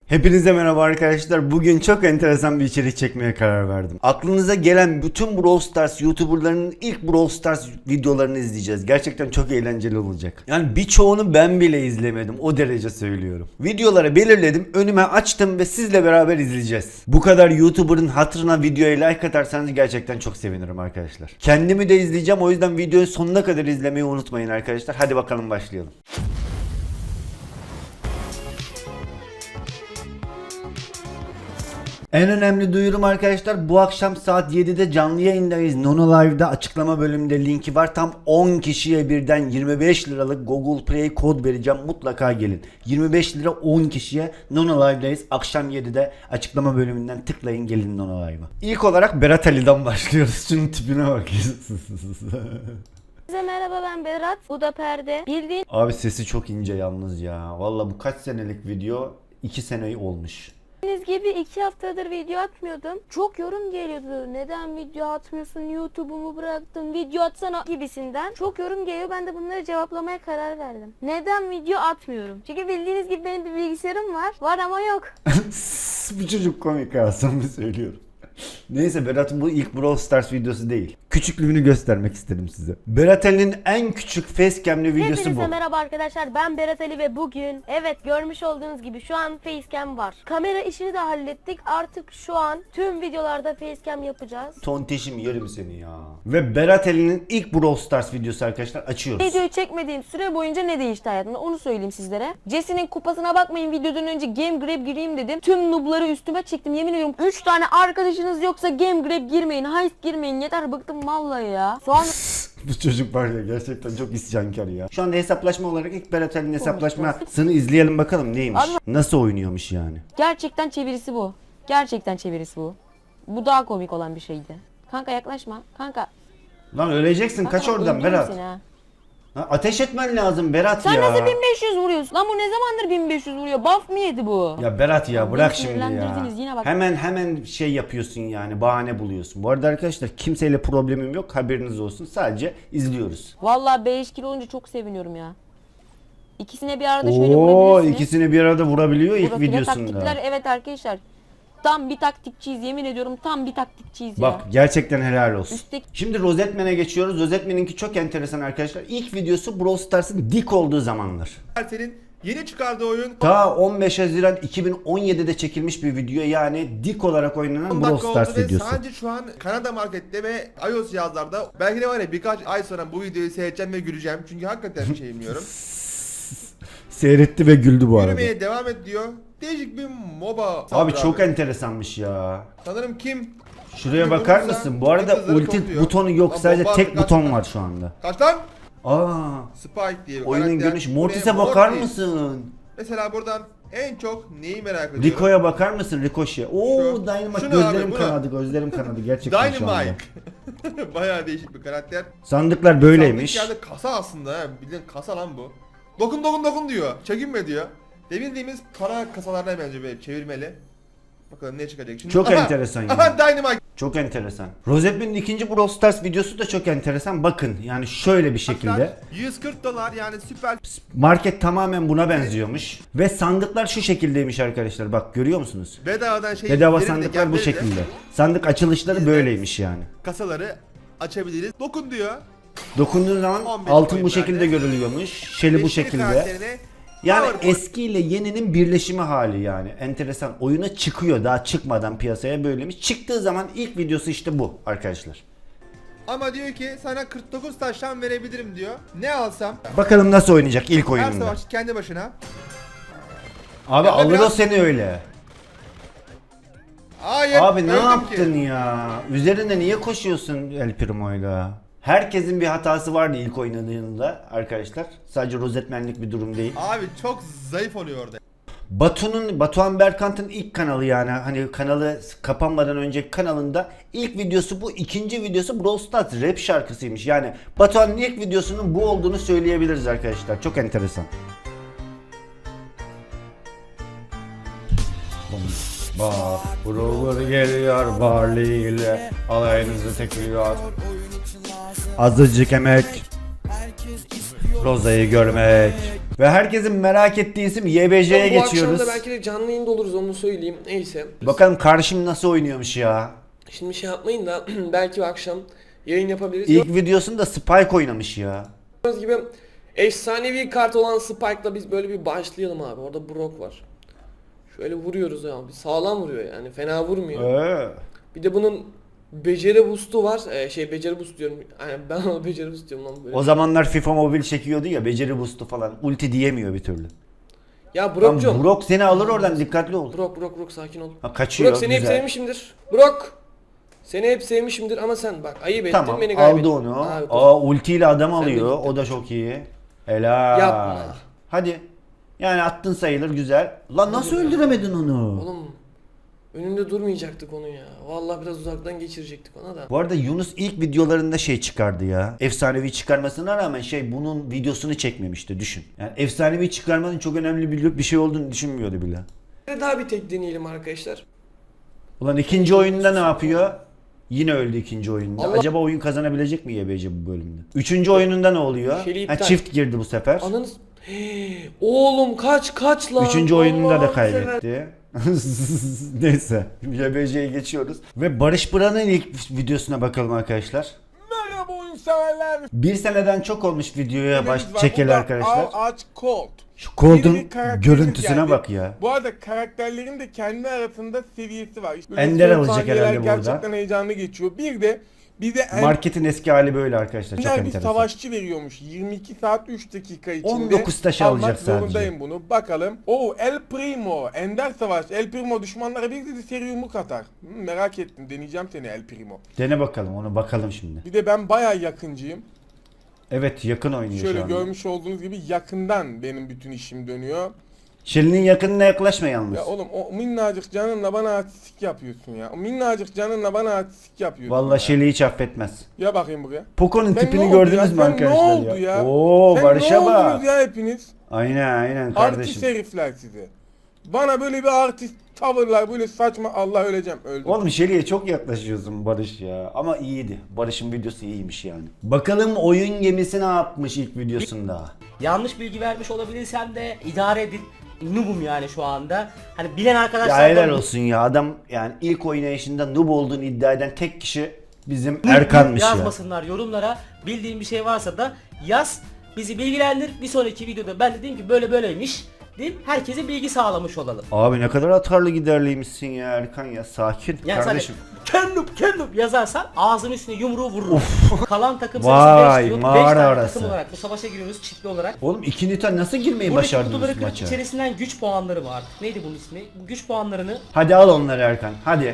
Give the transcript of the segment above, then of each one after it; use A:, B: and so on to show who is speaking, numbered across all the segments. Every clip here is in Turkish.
A: Hepinize merhaba arkadaşlar. Bugün çok enteresan bir içerik çekmeye karar verdim. Aklınıza gelen bütün Brawl Stars YouTuber'larının ilk Brawl Stars videolarını izleyeceğiz. Gerçekten çok eğlenceli olacak. Yani birçoğunu ben bile izlemedim. O derece söylüyorum. Videoları belirledim, önüme açtım ve sizle beraber izleyeceğiz. Bu kadar YouTuber'ın hatırına videoya like atarsanız gerçekten çok sevinirim arkadaşlar. Kendimi de izleyeceğim, o yüzden videoyu sonuna kadar izlemeyi unutmayın arkadaşlar. Hadi bakalım başlayalım. En önemli duyurum arkadaşlar, bu akşam saat 7'de canlı yayındayız. Nono Live'da açıklama bölümünde linki var. Tam 10 kişiye birden 25 liralık Google Play kod vereceğim. Mutlaka gelin. 25 lira 10 kişiye Nono Live'dayız. Akşam 7'de açıklama bölümünden tıklayın, gelin Nono Live'a. İlk olarak Berat Ali'den başlıyoruz. Şunun tipine bak.
B: Size merhaba, ben Berat. Bu da Perde. Bildiğin
A: Abi sesi çok ince yalnız ya. Valla bu kaç senelik video? 2 sene olmuş.
B: gibi 2 haftadır video atmıyordum. Çok yorum geliyordu. Neden video atmıyorsun? YouTube'umu bıraktın. Video atsana gibisinden. Çok yorum geliyor. Ben de bunları cevaplamaya karar verdim. Neden video atmıyorum? Çünkü bildiğiniz gibi benim bir bilgisayarım var. Var ama yok.
A: Bu çocuk komik ha, samimi söylüyorum. Neyse, Berat'ın bu ilk Brawl Stars videosu değil. Küçüklüğünü göstermek istedim size. Berat Ali'nin en küçük facecam'li videosu
B: Hepinize
A: bu.
B: merhaba arkadaşlar, ben Berat Ali ve bugün görmüş olduğunuz gibi şu an facecam var. Kamera işini de hallettik, artık şu an tüm videolarda facecam yapacağız.
A: Tonteşim yerim seni ya. Ve Berat Ali'nin ilk Brawl Stars videosu arkadaşlar, açıyoruz.
B: Videoyu çekmediğim süre boyunca ne değişti hayatımda onu söyleyeyim sizlere. Jesse'nin kupasına bakmayın, videodan önce Game Grab gireyim dedim. Tüm noob'ları üstüme çektim, yemin ediyorum 3 tane arkadaşınız yoksa Game Grab girmeyin, heist girmeyin, yeter bıktım vallahi ya. Sonra
A: Bu çocuk var ya, gerçekten çok isyankar ya. Şu anda hesaplaşma olarak ilk Berat Ali'nin hesaplaşmasını izleyelim bakalım neymiş. Nasıl oynuyormuş yani.
B: gerçekten çevirisi bu. Gerçekten çevirisi bu. Bu daha komik olan bir şeydi. Kanka yaklaşma. Kanka.
A: Lan öleceksin, kaç
B: Kanka,
A: oradan
B: öldürürüm
A: Berat.
B: seni ha.
A: Ha, ateş etmen lazım Berat
B: Sen
A: ya.
B: nasıl 1500 vuruyorsun? Lan bu ne zamandır 1500 vuruyor? Buff mı yedi bu?
A: Ya Berat ya,
B: Beni
A: bırak şimdi ya.
B: sinirlendirdiniz, yine bak.
A: Hemen şey yapıyorsun yani, bahane buluyorsun. Bu arada arkadaşlar, kimseyle problemim yok, haberiniz olsun. Sadece izliyoruz.
B: Vallahi 5 kilo olunca çok seviniyorum ya. İkisine bir arada şöyle
A: Oo,
B: vurabilirsiniz.
A: ikisini bir arada vurabiliyor ilk
B: Profile
A: videosunda.
B: taktikler, evet arkadaşlar. Tam bir taktikçiyiz, yemin ediyorum tam bir taktikçiyiz ya.
A: Bak, gerçekten helal olsun.
B: Üstteki-
A: Şimdi Rosetman'e geçiyoruz. Rosetman'inki çok enteresan arkadaşlar. İlk videosu Brawl Stars'ın dik olduğu zamanlar.
C: Senin yeni çıkardığı oyun
A: Ta 15 Haziran 2017'de çekilmiş bir video, yani dik olarak oynanan
C: 10
A: Brawl
C: dakika
A: Stars
C: oldu ve
A: videosu.
C: sadece şu an Kanada markette ve iOS cihazlarda belki de var ya birkaç ay sonra bu videoyu seyredeceğim ve güleceğim. Çünkü hakikaten bir şey bilmiyorum.
A: Seyretti ve güldü bu arada.
C: Yürümeye devam et diyor. Değişik bir MOBA.
A: Abi çok enteresanmış ya.
C: Sanırım kim?
A: Şuraya
C: Kim
A: bakar
C: vurursa
A: mısın? Bu arada
C: kızları
A: ulti
C: topluyor.
A: butonu yok,
C: Lan
A: sadece
C: bomba
A: tek
C: atıyor,
A: buton
C: kaç-
A: var şu anda.
C: Kaç lan?
A: Aa,
C: Spike diye bir
A: oyunun
C: karakter.
A: görünüşü.
C: Buraya
A: Mortis'e bakar
C: Mortis.
A: mısın?
C: Mesela buradan en çok neyi merak ediyorum?
A: Rico'ya bakar mısın? Ricochet. Oo,
C: Şu-
A: Dynamite,
C: şunu
A: gözlerim
C: abi, bunu.
A: kanadı, gözlerim kanadı gerçekten şu anda.
C: Dynamite. Bayağı değişik bir karakter.
A: Sandıklar böyleymiş.
C: Sandık yerde kasa aslında ha. Bildiğin kasa lan bu. Dokun diyor. Çekinme diyor. Bildiğimiz para kasalarına benziyor böyle çevirmeli. Bakalım ne çıkacak şimdi.
A: Çok enteresan
C: Aha
A: yani.
C: Dynamite.
A: Çok enteresan. Rosetman'in ikinci Brawl Stars videosu da çok enteresan. Bakın yani şöyle bir şekilde.
C: $140 yani süper.
A: Market tamamen buna benziyormuş. Ve sandıklar şu şekildeymiş arkadaşlar. Bak, görüyor musunuz?
C: Bedavadan şey.
A: Bedava
C: verin de
A: sandıklar bu
C: gel verin de
A: şekilde. Sandık açılışları böyleymiş yani.
C: Kasaları açabiliriz. Dokun diyor.
A: Dokunduğun zaman
C: 15
A: altın bu
C: coin
A: şekilde
C: verdi.
A: görülüyormuş. Şeli bu
C: Beşinci
A: şekilde.
C: karakterine
A: Yani
C: power point.
A: eski ile yeninin birleşimi hali yani. Enteresan. Oyuna çıkıyor, daha çıkmadan piyasaya böylemiş. Çıktığı zaman ilk videosu işte bu arkadaşlar.
C: Ama diyor ki sana 49 taştan verebilirim diyor. Ne alsam?
A: Bakalım nasıl oynayacak ilk
C: Her
A: oyununda.
C: savaşçı kendi başına.
A: Abi
C: Ya
A: alır o
C: biraz-
A: seni öyle.
C: Hayır.
A: Abi ne
C: öldüm
A: yaptın
C: ki.
A: ya? Üzerine niye koşuyorsun El Primo'yla? Herkesin bir hatası vardı ilk oynadığında arkadaşlar. Sadece Rosetman'lik bir durum değil.
C: Abi çok zayıf oluyor orada.
A: Batuhan Berkant'ın ilk kanalı, yani hani kanalı kapanmadan önceki kanalında ilk videosu bu, ikinci videosu Brawl Stars rap şarkısıymış. Yani Batuhan'ın ilk videosunun bu olduğunu söyleyebiliriz arkadaşlar. Çok enteresan. Bak, Brawler geliyor Barley ile alayınızı tekliyor. Azıcık emek, Roza'yı görmek Ve herkesin merak ettiği isim YBJ'ye
D: Bu akşam
A: geçiyoruz.
D: da belki de canlı yayında oluruz, onu söyleyeyim. Neyse.
A: Bakalım karşım nasıl oynuyormuş ya.
D: Şimdi şey yapmayın da belki akşam yayın yapabiliriz.
A: İlk videosunda Spike oynamış ya.
D: Gördüğünüz gibi efsanevi kart olan Spike'la biz böyle bir başlayalım abi. Orada Brock var. Şöyle vuruyoruz abi. Sağlam vuruyor yani. Fena vurmuyor. Bir de bunun beceri boost'u var. Beceri boost diyorum. Yani ben ona beceri boost diyorum lan böyle.
A: O zamanlar FIFA Mobile çekiyordu ya, beceri boost'u falan. Ulti diyemiyor bir türlü.
D: Ya
A: Lan
D: Brock'cum.
A: Brock seni alır oradan, dikkatli ol.
D: Brock sakin ol.
A: Ha, kaçıyor,
D: Brock seni hep
A: güzel.
D: sevmişimdir. Brock. Seni hep sevmişimdir ama sen bak ayıp ettin,
A: Tamam,
D: beni kaybettin.
A: aldı onu.
D: Abi, dur.
A: Ultiyle adam
D: de
A: alıyor.
D: gittin.
A: O da çok iyi. Helal.
D: Yapma.
A: Hadi. Yani attın sayılır, güzel. Lan nasıl öldüremedin onu?
D: Oğlum önünde durmayacaktık onu ya. Vallahi biraz uzaktan geçirecektik ona da.
A: Bu arada Yunus ilk videolarında şey çıkardı ya. Efsanevi çıkarmasına rağmen bunun videosunu çekmemişti, düşün. Yani efsanevi çıkarmanın çok önemli bir şey olduğunu düşünmüyordu bile.
D: Daha bir tek deneyelim arkadaşlar.
A: Ulan ikinci oyunda ne yapıyor? Yine öldü ikinci oyunda.
D: Allah-
A: Acaba oyun kazanabilecek mi YBC bu bölümde? Üçüncü oyununda ne oluyor?
D: Şeyli
A: Ha,
D: iptal.
A: çift girdi bu sefer.
D: Ananız... Oğlum kaç lan.
A: Üçüncü oyununda da
D: Allah'ım
A: kaybetti. Neyse. YBC'ye geçiyoruz. Ve Barış Bıra'nın ilk videosuna bakalım arkadaşlar.
E: Merhaba oyun severler.
A: Bir seneden çok olmuş videoya
E: Yemeğimiz var.
A: çekeli
E: Burada
A: arkadaşlar.
E: Ağaç Colt.
A: Şu Cold'un
E: Yeni bir karakterimiz
A: görüntüsüne
E: geldi.
A: bak ya.
E: Bu arada karakterlerin de kendi arasında seviyesi var. İşte böyle
A: Ender
E: son
A: alacak
E: saniyeler
A: herhalde burada.
E: gerçekten heyecanlı geçiyor. Bir de
A: Marketin eski hali böyle arkadaşlar. Çok
E: Ender bir
A: enteresan.
E: savaşçı veriyormuş. 22 saat 3 dakika içinde.
A: 19 taş
E: almak
A: alacak sadece.
E: zorundayım bunu. Bakalım. El Primo. Ender savaş. El Primo düşmanlara bir dedi seri yumruk atar. Merak ettim. Deneyeceğim seni El Primo.
A: Dene bakalım, onu bakalım şimdi.
E: Bir de ben bayağı yakıncıyım.
A: Evet, yakın oynuyor
E: Şöyle
A: şu anda.
E: görmüş olduğunuz gibi yakından benim bütün işim dönüyor.
A: Şirin'in yakınına yaklaşma yalnız.
E: Ya oğlum o minnacık canınla bana artistik yapıyorsun ya. O minnacık canınla bana artistik yapıyorsun
A: Vallahi
E: ya.
A: Şeli'yi hiç affetmez.
E: Ya bakayım buraya.
A: Poco'nun
E: Sen
A: tipini
E: ne oldu
A: gördünüz
E: ya?
A: mü
E: Sen
A: arkadaşlar
E: ne oldu ya?
A: Oo,
E: Sen
A: Barış'a
E: ne
A: bak.
E: oldunuz ya hepiniz?
A: Aynen
E: Artist
A: kardeşim.
E: herifler size. Bana böyle bir artist tavırlar, böyle saçma, Allah öleceğim, öldüm.
A: Oğlum Şeli'ye çok yaklaşıyorsun Barış ya. Ama iyiydi. Barış'ın videosu iyiymiş yani. Bakalım oyun gemisi ne yapmış ilk videosunda.
F: Yanlış bilgi vermiş olabilirsem de idare edin. Noob'um yani şu anda. Hani bilen
A: Ya
F: arkadaşlar
A: helal olsun ya. Adam yani ilk oynayışında noob olduğunu iddia eden tek kişi bizim Erkan'mış ya.
F: yazmasınlar yorumlara. Bildiğin bir şey varsa da yaz. Bizi bilgilendir. Bir sonraki videoda ben de diyeyim ki böyle böyleymiş. Diyeyim herkese bilgi sağlamış olalım.
A: Abi ne kadar atarlı giderliymişsin ya Erkan ya. Sakin
F: Yani
A: kardeşim.
F: Kendip yazarsan ağzının üstüne yumruğu vururum. Kalan takım
A: Vay,
F: sayısı 5 diyor. 5
A: mağara
F: tane
A: arası.
F: takım olarak bu savaşa giriyoruz çiftli olarak.
A: Oğlum 2 Newton nasıl girmeyi
F: Buradaki
A: başardınız
F: kutuları kırıp
A: maça?
F: içerisinden güç puanları var. Neydi bunun ismi? Bu güç puanlarını
A: Hadi al onları Erkan. Hadi.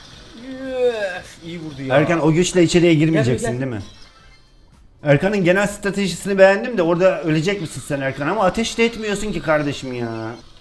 F: iyi vurdu ya.
A: Erkan o güçle içeriye girmeyeceksin
F: Gel, gel.
A: değil mi? Erkan'ın genel stratejisini beğendim de orada ölecek misin sen Erkan, ama ateş de etmiyorsun ki kardeşim ya.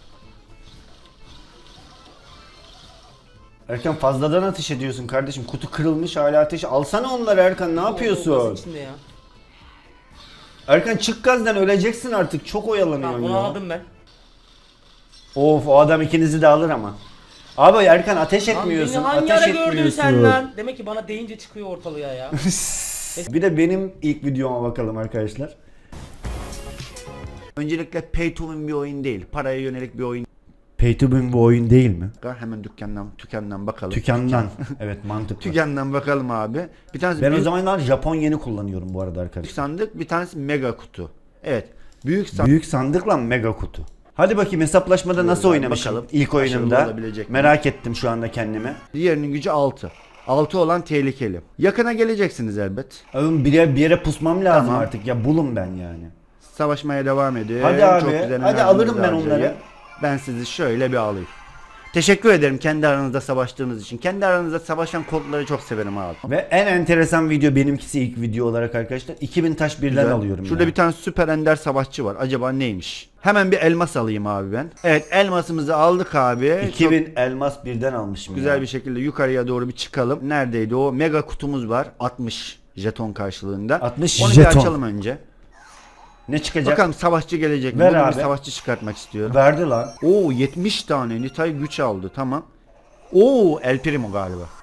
A: Erkan fazladan ateş ediyorsun kardeşim. Kutu kırılmış hala ateş. Alsana onları Erkan, ne yapıyorsun?
F: İçinde ya.
A: Erkan çık gazdan, öleceksin artık. Çok oyalanıyorsun
F: Tamam bunu
A: ya.
F: aldım ben.
A: Of, o adam ikinizi de alır ama. Abi Erkan ateş
F: Lan
A: etmiyorsun.
F: beni hangi
A: Ateş
F: ara gördün
A: etmiyorsun.
F: sen lan? Demek ki bana deyince çıkıyor ortalığa ya.
A: Bir de benim ilk videoma bakalım arkadaşlar. Öncelikle pay to win bir oyun değil. Paraya yönelik bir oyun. Pay to win bir oyun değil mi?
G: Hemen dükkandan bakalım.
A: Tükendan. Evet, mantıklı.
G: Tükendan bakalım abi. Bir tanesi
A: Ben o
G: büyük
A: zamanlar Japon yeni kullanıyorum bu arada arkadaşlar.
G: sandık, bir tanesi mega kutu. Evet. Büyük sandık.
A: Büyük sandıkla mega kutu. Hadi bakayım hesaplaşmada nasıl
G: Bakalım,
A: oynamışım ilk
G: başarılı
A: oyunumda.
G: olabilecek mi?
A: Merak ettim şu anda kendimi.
G: Diğerinin gücü 6. 6 olan tehlikeli. Yakına geleceksiniz elbet.
A: Oğlum bir yere pusmam lazım
G: Tamam.
A: artık ya, bulun ben yani.
G: Savaşmaya devam ediyor.
A: Hadi abi,
G: Çok güzel
A: hadi
G: enerjinizi
A: alırım ben
G: harcayın.
A: onları.
G: Ben sizi şöyle bir alayım. Teşekkür ederim kendi aranızda savaştığınız için. Kendi aranızda savaşan kodları çok severim abi.
A: Ve en enteresan video benimkisi ilk video olarak arkadaşlar. 2000 taş birden
G: Güzel.
A: alıyorum
G: Şurada
A: ya.
G: bir tane süper ender savaşçı var. Acaba neymiş? Hemen bir elmas alayım abi ben. Evet, elmasımızı aldık abi.
A: 2000 elmas birden almışım
G: Güzel
A: ya.
G: bir şekilde yukarıya doğru bir çıkalım. Neredeydi o? Mega kutumuz var. 60 jeton karşılığında.
A: 60
G: Onu
A: jeton.
G: bir açalım önce.
A: Ne çıkacak?
G: Bakalım savaşçı gelecek mi?
A: Ver
G: Buradan
A: abi.
G: bir savaşçı çıkartmak istiyorum.
A: Verdi lan.
G: Oo, 70 tane Nitay güç aldı, tamam. Oo, El Primo galiba.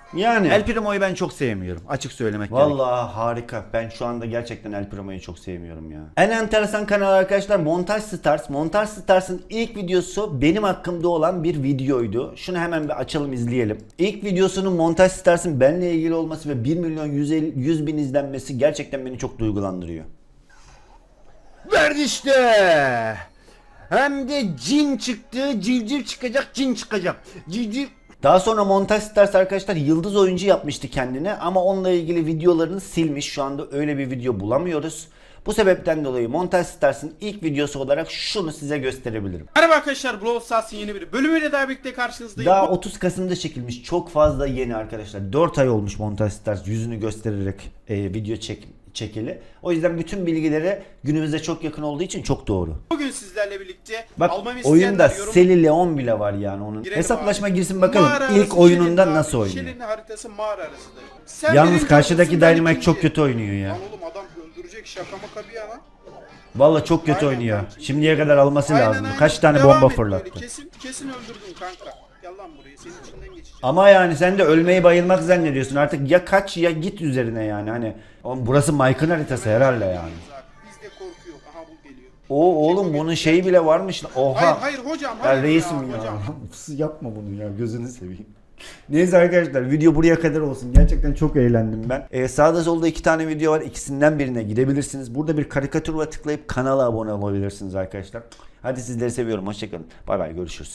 A: Yani.
G: El Primo'yu ben çok sevmiyorum. Açık söylemek gerekirse.
A: Vallahi harika. Ben şu anda gerçekten El Primo'yu çok sevmiyorum ya. En enteresan kanal arkadaşlar Montaj Stars. Montaj Stars'ın ilk videosu benim hakkımda olan bir videoydu. Şunu hemen bir açalım izleyelim. İlk videosunun Montaj Stars'ın benimle ilgili olması ve 1 milyon 100 bin izlenmesi gerçekten beni çok duygulandırıyor.
G: Verdi işte. Hem de cin çıktı, civciv çıkacak, cin çıkacak. Civciv.
A: Daha sonra Montaj Stars arkadaşlar yıldız oyuncu yapmıştı kendine ama onunla ilgili videolarını silmiş. Şu anda öyle bir video bulamıyoruz. Bu sebepten dolayı Montaj Stars'ın ilk videosu olarak şunu size gösterebilirim.
H: Merhaba arkadaşlar, Brawl Stars'ın yeni bir bölümüyle daha birlikte karşınızdayım.
A: Daha 30 Kasım'da çekilmiş, çok fazla yeni arkadaşlar. 4 ay olmuş Montaj Stars yüzünü göstererek video çekili. O yüzden bütün bilgileri günümüze çok yakın olduğu için çok doğru.
H: Bugün sizlerle birlikte
A: Bak
H: almamı
A: oyunda
H: isteyenler
A: Seli Leon bile var yani onun.
H: Girelim
A: Hesaplaşma
H: abi.
A: girsin bakalım
H: Mağara
A: ilk
H: arası
A: oyununda
H: Şirin
A: nasıl
H: abi.
A: oynuyor.
H: Şirin'in haritası mağara arasıdır. Sen
A: Yalnız
H: birinci
A: karşıdaki
H: olursun, ben
A: Dynamite çok
H: ikinci.
A: kötü oynuyor ya.
H: Lan oğlum adam öldürecek, şaka maka bir yana.
A: Vallahi çok kötü
H: Aynen
A: oynuyor.
H: kanki.
A: Şimdiye kadar alması
H: Aynen,
A: lazım.
H: aynen.
A: Kaç tane
H: Devam
A: bomba
H: et böyle.
A: fırlattı.
H: Kesin öldürdün kanka. Gel lan buraya, senin içinden geçeceğim.
A: Ama yani sen de ölmeyi bayılmak zannediyorsun. Artık ya kaç ya git üzerine yani. Hani oğlum burası Mike'ın haritası herhalde yani.
H: Bizde korku yok. Aha bu geliyor.
A: O oğlum bunun şeyi bile varmış. Oha.
H: Hayır hocam.
A: Ya
H: Hayır
A: reisim ya.
H: hocam.
A: Yapma bunu ya gözünü seveyim. Neyse arkadaşlar video buraya kadar olsun. Gerçekten çok eğlendim ben. Sağda solda 2 tane video var. İkisinden birine gidebilirsiniz. Burada bir karikatür var tıklayıp kanala abone olabilirsiniz arkadaşlar. Hadi sizleri seviyorum. Hoşçakalın. Bay bay görüşürüz.